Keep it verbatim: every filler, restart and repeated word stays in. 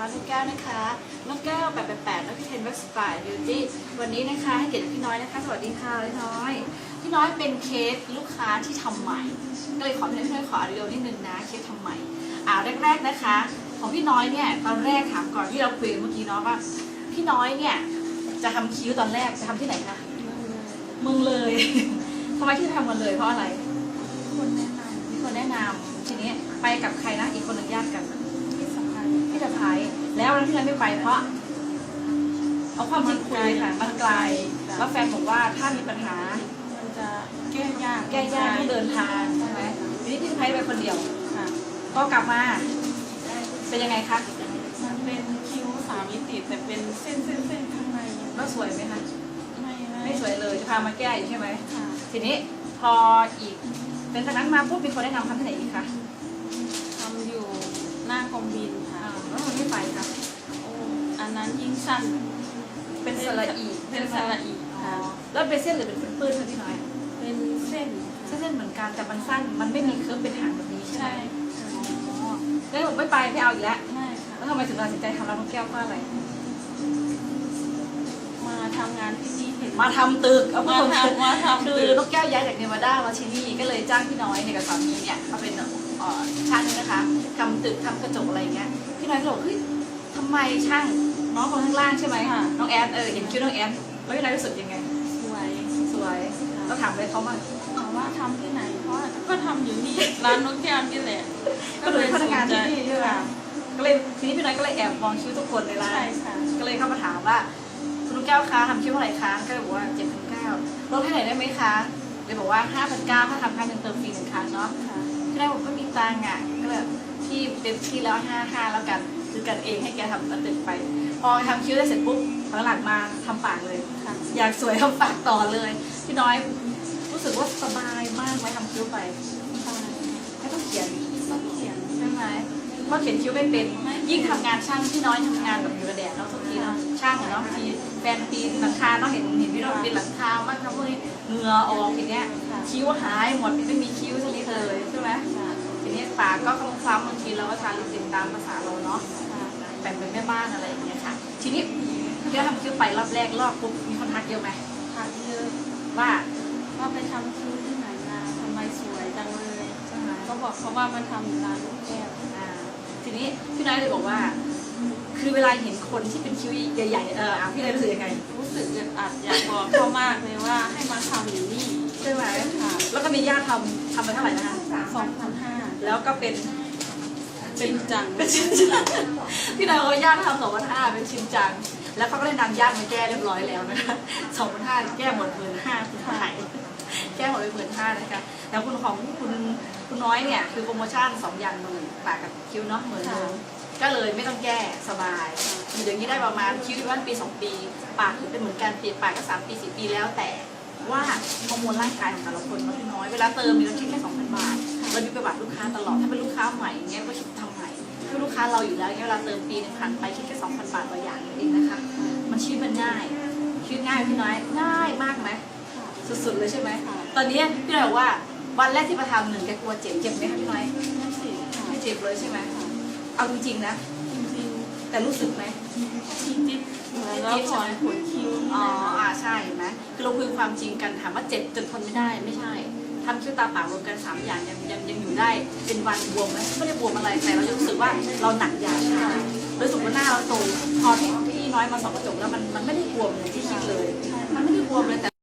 านลูกแก้วนะคะลูกแก้วแปดแปดแปดแล้วพี่เทนเว็บสปายบิวตี้วันนี้นะคะให้เกียรติพี่น้อยนะคะสวัสดีค่ะพี่น้อยพี่น้อยเป็นเคสลูกค้าที่ทำใหม่ก็เลยขอพี่น้อยขอเร็วนิดนึงนะเคสทำใหม่อ่าแรกๆนะคะของพี่น้อยเนี่ยตอนแรกถามก่อนที่เราคุยเมื่อกี้เนาะว่าพี่น้อยเนี่ยจะทำคิ้วตอนแรกจะทำที่ไหนคะเมืองเลยทำไมที่ทำกันเลยเพราะอะไรคนแนะนำมีคนแนะนำทีนี้ไปกับใครนะอีกคนหนึ่งญาติกันพี่สะพ้ายพี่สะพ้ายแล้วที่เราไม่ไปเพราะเอาความจริงคุยค่ะมันไกลแล้วแฟนบอกว่าถ้ามีปัญหามันจะแก้ยากแก้ยากต้องเดินทางใช่ไหมทีนี้พี่สะพ้ายไปคนเดียวค่ะพอกลับมาเป็นยังไงคะมันเป็นคิ้วสามมิติแต่เป็นเส้นเส้นเส้นข้างในแล้วสวยไหมคะไม่ไม่สวยเลยจะพามาแก้อยู่ใช่ไหมค่ะทีนี้พออีกเป็นจากนั้นมาปุ๊บมีคนแนะนำทำที่ไหนอีกคะทำอยู่หน้ากรมบินค่ะแล้วมันไม่ไปค่ะอันนั้นยิ่งสั้นเป็นสระอีเป็นสระอีค่ะแล้วเป็นเส้นหรือเป็นปื้นๆคะพี่น้อยเป็นเส้นเส้นเหมือนกันแต่มันสั้นมันไม่มีเคิร์ฟเป็นหางแบบนี้ใช่ไหมอ๋อแล้วผมไม่ไปไม่เอาอีกแล้วใช่ค่ะแล้วทำไมถึงตัดสินใจทำร้านนกแก้วเพราะอะไรมาทำงานที่นี่เห็นมาทำตึกเอามาทำมาทำคือนกแก้วย้ายจากเนวาดามาที่นี่ก็เลยจ้างพี่น้อยเนี่ยกับสามีเนี่ยมาเป็นช่างนะคะทำตึกทำกระจกอะไรเงี้ยพี่น้อยก็บอกเฮ้ยทำไมช่างน้องคนข้างล่างใช่ไหมน้องแอนเออเห็นคิ้วน้องแอนแล้วพี่น้อยรู้สึกยังไงสวยสวยเราถามเลยเขามาถามว่าทำที่ไหนเพราะก็ทำอยู่นี่ร้านนกแก้วนี่แหละก็เลยพนักงานที่นี่ใช่ไหมก็เลยทีนี้พี่น้อยก็เลยแอบมองคิ้วทุกคนในร้านก็เลยเข้ามาถามว่าคุณนกแก้วคะทำคิ้วเท่าไหร่คะก็เลยบอกว่าเจ็ดพันเก้าลดให้ไหนได้ไหมคะเลยบอกว่าห้าพันเก้าถ้าทำครั้งหนึ่งเติมฟรีหนึ่งครั้งเนาะพี่น้อยบอกไม่มีตังค์อ่ะก็เลยที่เต็มที่แล้วห้าห้าแล้วกันคือกันเองให้แกทำตึกไปพอทำคิ้วได้เสร็จปุ๊บหลังมาทำปากเลยอยากสวยทำปากต่อเลยพี่น้อยรู้สึกว่าสบายมากไหมทำคิ้วไปไม่ต้องเขียนต้องเขียนใช่ไหมเพราะเขียนคิ้วไม่เป็นยิ่งทำงานช่างพี่น้อยทำงานแบบอยู่ระแดดเนาะทุกทีเนาะช่างเนาะทีแฟนปีนหลังคาเนาะเห็นเห็นพี่น้อยปีนหลังคามากทำพวกนี้เหงื่อออกทีเนี้ยคิ้วหายหมดไม่มีคิ้วสักนิดเลยใช่ไหมทีนี้ปากก็คล้ำๆบางทีเราก็ทาลิปสติกตามภาษาเราเนาะแต่งเป็นแม่บ้านอะไรอย่างเงี้ยค่ะทีนี้พี่ทำคิ้วไปรอบแรกรอบปุ๊บมีคนทักเยอะไหมทักเยอะว่าว่าไปทำคิ้วที่ไหนมาทำไมสวยจังเลยก็บอกเขาว่ามันทำอยู่ร้านลูกแก้วทีนี้พี่น้อยเลยบอกว่าคือเวลาเห็นคนที่เป็นคิ้วใหญ่ๆเออพี่น้อยรู้สึกยังไงรู้สึกอึดอัดอยากบอกเขามากเลยว่าให้มาทำอยู่นี่ใช่ไหมค่ะแล้วก็มีญาติทำทำไปเท่าไหร่นะคะสองพันห้าแล้วก็เป็นเป็นจังเป็นชิ้นจังพี่น้อยเขาญาติทำสองพันห้าเป็นชิ้นจังแล้วเขาก็ได้นำญาติมาแก้เรียบร้อยแล้วนะคะสองพันห้าแก้หมดหมื่นห้าคุณขายแก้หมดเลยหมื่นห้านะคะแล้วคุณของคุณคุณน้อยเนี่ยคือโปรโมชั่นสองอย่างหมื่นปากกับคิ้วเนาะหมื่นนึงก็เลยไม่ต้องแก้สบายอยู่อย่างนี้ได้ประมาณคิ้ววันปีสองปีปากเป็นเหมือนกันปีปากก็สามปีสี่ปีแล้วแต่ว่าฮอร์โมนร่างกายของแต่ละคนมันน้อยเวลาเติมเราคิดแค่สองพันบาทเราดูประวัติลูกค้าตลอดถ้าเป็นลูกค้าใหม่เงี้ยก็คิดทำใหม่คือลูกค้าเราอยู่แล้วเวลาเติมปีหนึ่งพันไปคิดแค่สองพันบาทต่ออย่างเองนะคะมันชีวิตมันง่ายชีวิตง่ายพี่น้อยง่ายมากไหมสุดๆเลยใช่ไหมตอนนี้พี่น้อยบอกว่าวันแรกที่มาทำหนึ่งแกกลัวเจ็บเจ็บไหมคะพี่น้อยไม่เจ็บเลยใช่ไหมเอาจริงๆนะจริงๆแต่รู้สึกไหมจริงๆเหมือนเราถอนขนคิ้วอ๋ออ่าใช่เห็นไหมคือเราคุยความจริงกันถามว่าเจ็บจนทนไม่ได้ไม่ใช่ทำคิ้วตาปากรวมกันสามอย่างยังยังยังอยู่ได้เป็นวันบวมไหมไม่ได้บวมอะไรแต่เราจะรู้สึกว่าเราหนักยาชารู้สึกว่าหน้าเราโตพอที่พี่น้อยมาส่องกระจกแล้วมันมันไม่ได้บวมอย่างที่คิดเลยมันไม่ได้บวมเลยแต่